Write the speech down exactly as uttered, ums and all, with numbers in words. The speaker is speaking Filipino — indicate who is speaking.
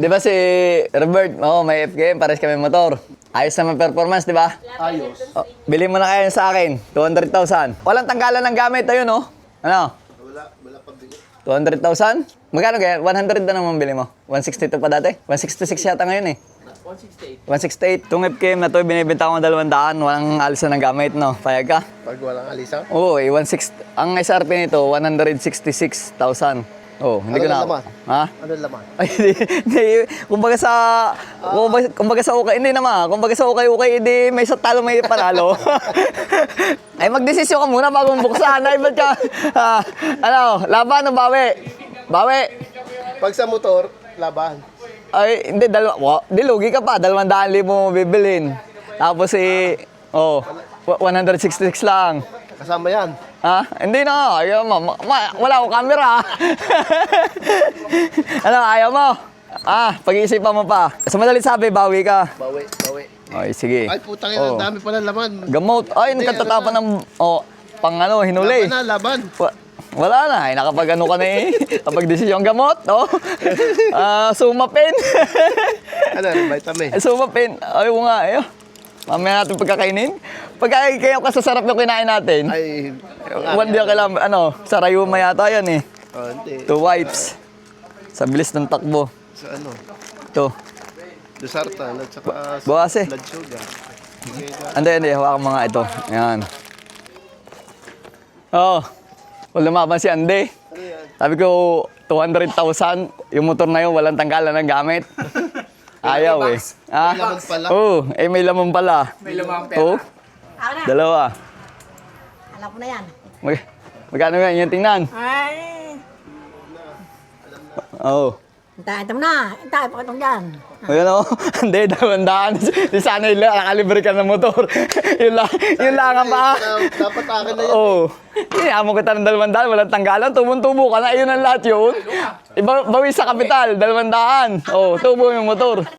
Speaker 1: Di ba si Robert, oh, may F K M, pares kami motor. Ayos naman performance, di ba?
Speaker 2: Ayos.
Speaker 1: Oh, bili mo na kayo sa akin, two hundred thousand. Walang tanggalan ng gamit, ayun oh. Ano?
Speaker 2: Wala, wala pabili.
Speaker 1: two hundred thousand? Magkano kaya? one hundred na naman bili mo. one sixty-two pa dati? one sixty-six yata ngayon eh.
Speaker 3: one sixty-eight.
Speaker 1: one sixty-eight. Itong F K M na to, binibenta ko ng dalawang daan. Walang alisan ng gamit, no? Payag ka?
Speaker 2: Pag walang alisan?
Speaker 1: Oo, eh, one sixty. Ang S R P nito, one hundred sixty-six thousand. Oh, hindi ko
Speaker 2: Ano
Speaker 1: na.
Speaker 2: laman?
Speaker 1: Ha?
Speaker 2: Ano laman?
Speaker 1: Ay, hindi, hindi. Kumbaga sa, kumbaga, kumbaga sa ukay, hindi naman. Kumbaga sa ukay-ukay, hindi may sa talo, may panalo. Ay, magdesisyon ka muna bago mong buksan. Ay, ba't ka, ah, ano, laban o bawi? Bawi.
Speaker 2: Pag sa motor, laban.
Speaker 1: Ay, hindi, dalawa, wa- di, lugi ka pa. Dalawang daan libo mo bibilin. Tapos eh, oh, one hundred sixty-six lang.
Speaker 2: Kasama yan.
Speaker 1: Ha? Hindi na. Ayaw mo. Ma- ma- wala akong camera. Ano, ayaw mo? Ah, pag-iisipan mo pa. Sa madalit sabi, bawi ka.
Speaker 2: Bawi, bawi.
Speaker 1: Ay, sige.
Speaker 2: Ay, putang
Speaker 1: Oh.
Speaker 2: ina, ang dami pala laman.
Speaker 1: Gamot. Ay,
Speaker 2: Hindi,
Speaker 1: nakatatapan ng,
Speaker 2: ano
Speaker 1: oh, pang ano, hinuli.
Speaker 2: Laban na, laban.
Speaker 1: Wa- wala na. Ay, nakapag ano ka na eh. Kapag desisyon gamot, oh. Ah, sumapin.
Speaker 2: Ano, vitamin.
Speaker 1: Sumapin. Ay, oo nga, eh. Mamaya natin pagkakainin. Pagka kayo kasasarap yung kinain natin.
Speaker 2: Ay,
Speaker 1: One day kailangan, ano, sa Rayuma yata yan eh.
Speaker 2: oh, hindi.
Speaker 1: Two wipes. Sa bilis ng takbo.
Speaker 2: Sa ano,
Speaker 1: Ito.
Speaker 2: Dosartan at saka
Speaker 1: Bawas eh.
Speaker 2: blood sugar. Sige ka.
Speaker 1: Ande, ande. Hawakan mga ito. Ayan. Oo. Oh, wala lumaban si Ande.
Speaker 2: Ano yan?
Speaker 1: Sabi ko, two hundred thousand. Yung motor na yun, walang tanggalan ng gamit. Ayaw eh. Ah?
Speaker 2: May laman pala.
Speaker 1: Oo. Eh, may laman pala.
Speaker 3: May lumang
Speaker 1: Oo.
Speaker 4: Ako na.
Speaker 1: Dalawa.
Speaker 4: Alam ko na yan.
Speaker 1: Mag magkano yan? Yung tingnan.
Speaker 4: Ay.
Speaker 1: Oo.
Speaker 4: Hintay, ito mo na. Hintay, pakitong dyan.
Speaker 1: Ayan o. Hindi, dalawandaan. Di sana yung nakalibre ka ng motor. yun lang, yun lang ang pa.
Speaker 2: Na- Dapat akin na yan.
Speaker 1: Oo. Iniamo kita ng dalawandaan, walang tanggalan. Tubong-tubo ka na. Ayun ang lahat yun. Iba, bawi sa kapital, dalawandaan. Oo, tubo yung motor.